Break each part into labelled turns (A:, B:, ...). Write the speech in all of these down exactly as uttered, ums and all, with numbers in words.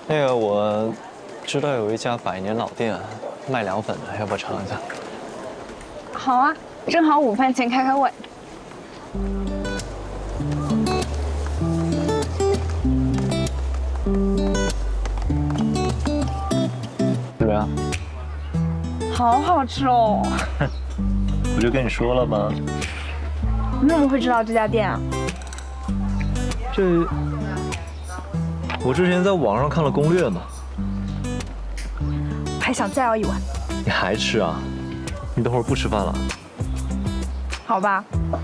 A: 那个我知道有一家百年老店卖凉粉的，要不要尝一下？
B: 好啊，正好午饭前开开胃。
A: 怎么样？
B: 好好吃哦！
A: 不就跟你说了吗？
B: 你怎么会知道这家店啊？
A: 这我之前在网上看了攻略嘛。
B: 还想再要一碗？
A: 你还吃啊？你等会儿不吃饭了？
B: 好吧。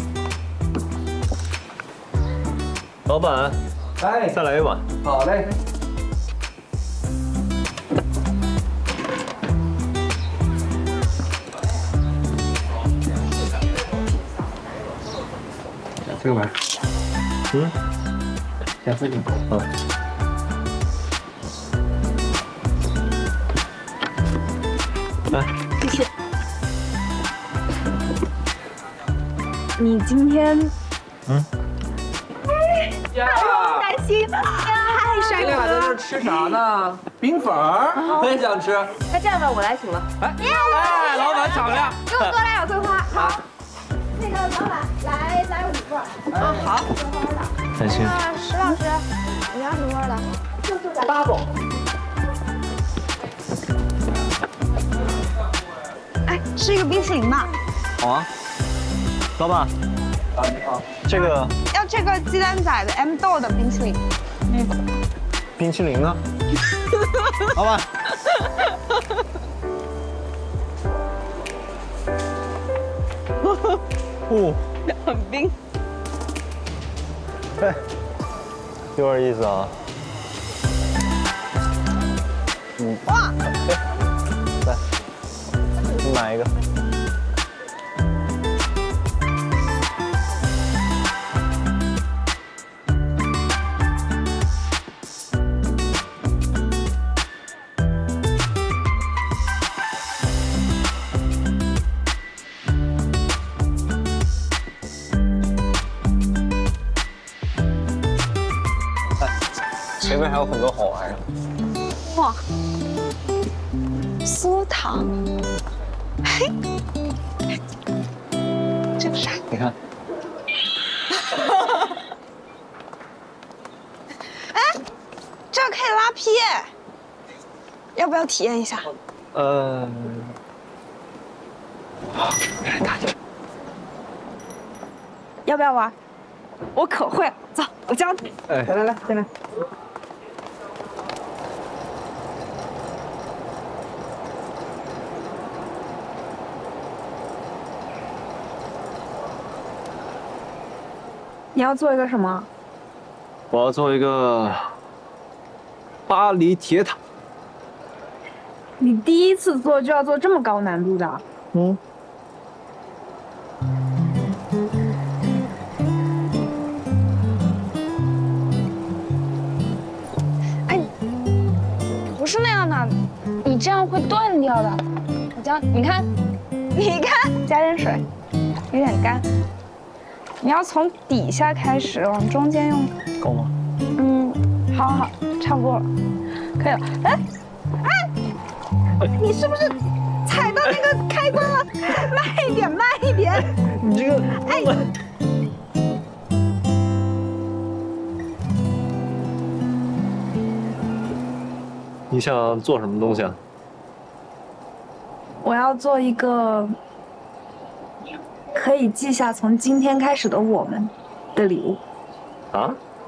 A: 老板，
C: 哎，
A: 再来一碗。
C: 好嘞。这个碗。
A: 嗯。
C: 加四斤。
A: 嗯。来，
B: 谢谢。你今天，
A: 嗯，
C: 呀，
B: 开心，太帅
C: 你俩在这吃啥呢？冰粉儿，我也想吃。
D: 那这样吧，我来请了。
C: 哎，哎，老板敞亮。
B: 给我多来两桂花。
C: 好。
B: 那个老板，来来五份。
D: 啊，好。
A: 开心。
B: 那石老师，你要什么味的？就就咱。
C: double。
B: 哎，吃一个冰淇淋吧。
A: 好啊。老板。
C: 啊，你好。
A: 这个。
B: 要这个鸡蛋仔的 M 豆的冰淇淋。
A: 嗯。冰淇淋呢？老板。哦，
D: 很冰。
A: 哎，有点意思啊。嗯。
B: 哇！
A: 哎，来，你买一个。前面还有很多好玩的。
B: 哇，酥糖，嘿，这个啥？
A: 你看，
B: 哎，这个可以拉皮，要不要体验一下？
A: 呃，大姐，
B: 要不要玩？我可会了，走，我教你。
A: 哎，
C: 来来来，进来。
B: 你要做一个什么？
A: 我要做一个巴黎铁塔。
B: 你第一次做就要做这么高难度的？
A: 嗯。
B: 哎，不是那样的，你这样会断掉的。我教你看，你看，加点水，有点干。你要从底下开始往中间用。
A: 够吗？
B: 嗯，好好好，差不多了，可以了。哎，哎，你是不是踩到那个开关了？慢一点，慢一点。
A: 你这个，
B: 哎，
A: 你想做什么东西啊？
B: 我要做一个可以记下从今天开始的我们的礼物。
A: 啊？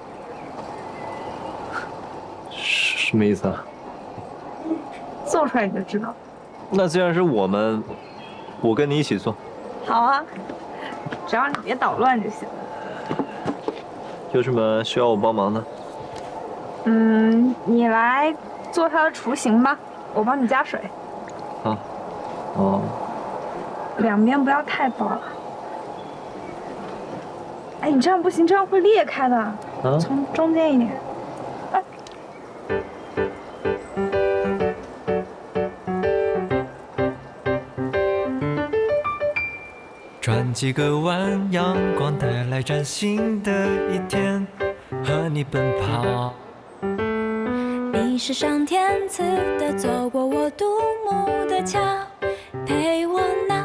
A: 什么意思啊？
B: 做出来你就知道。
A: 那既然是我们，我跟你一起做。
B: 好啊，只要你别捣乱就行。
A: 有什么需要我帮忙的？
B: 嗯，你来做它的雏形吧，我帮你加水。
A: 啊。哦。
B: 两边不要太薄。哎，你这样不行，这样会裂开的。
A: 啊。
B: 从中间一点。哎。
E: 转几个弯，阳光带来崭新的一天，和你奔跑。
F: 你你是上天赐的，走过我独木的桥，陪我闹。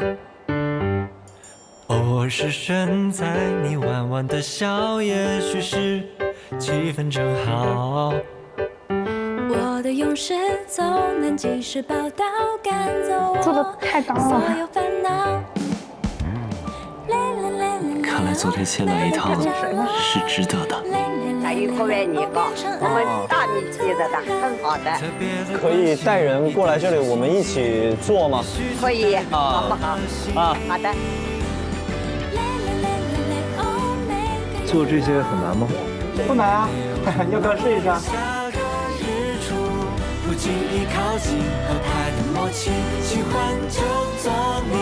E: 偶尔失神，在你弯弯的笑，也许是气氛正好。
F: 我的勇士总能及时报道，赶走
B: 做的
F: 我
B: 太高
F: 所
B: 了。
F: 有烦恼。
A: 看来做这些来一趟是值得的。
D: 大鱼口味泥糕，我们大米皮子的，很好的，
A: 可以带人过来这里，我们一起做吗？
D: 可以，
A: 啊
D: 好不好？
A: 啊，
D: 好的。
G: 做这些很难吗？
C: 不难啊，要不要试一下？
E: 下个日出，不经意靠近，合拍的默契，喜欢就做你。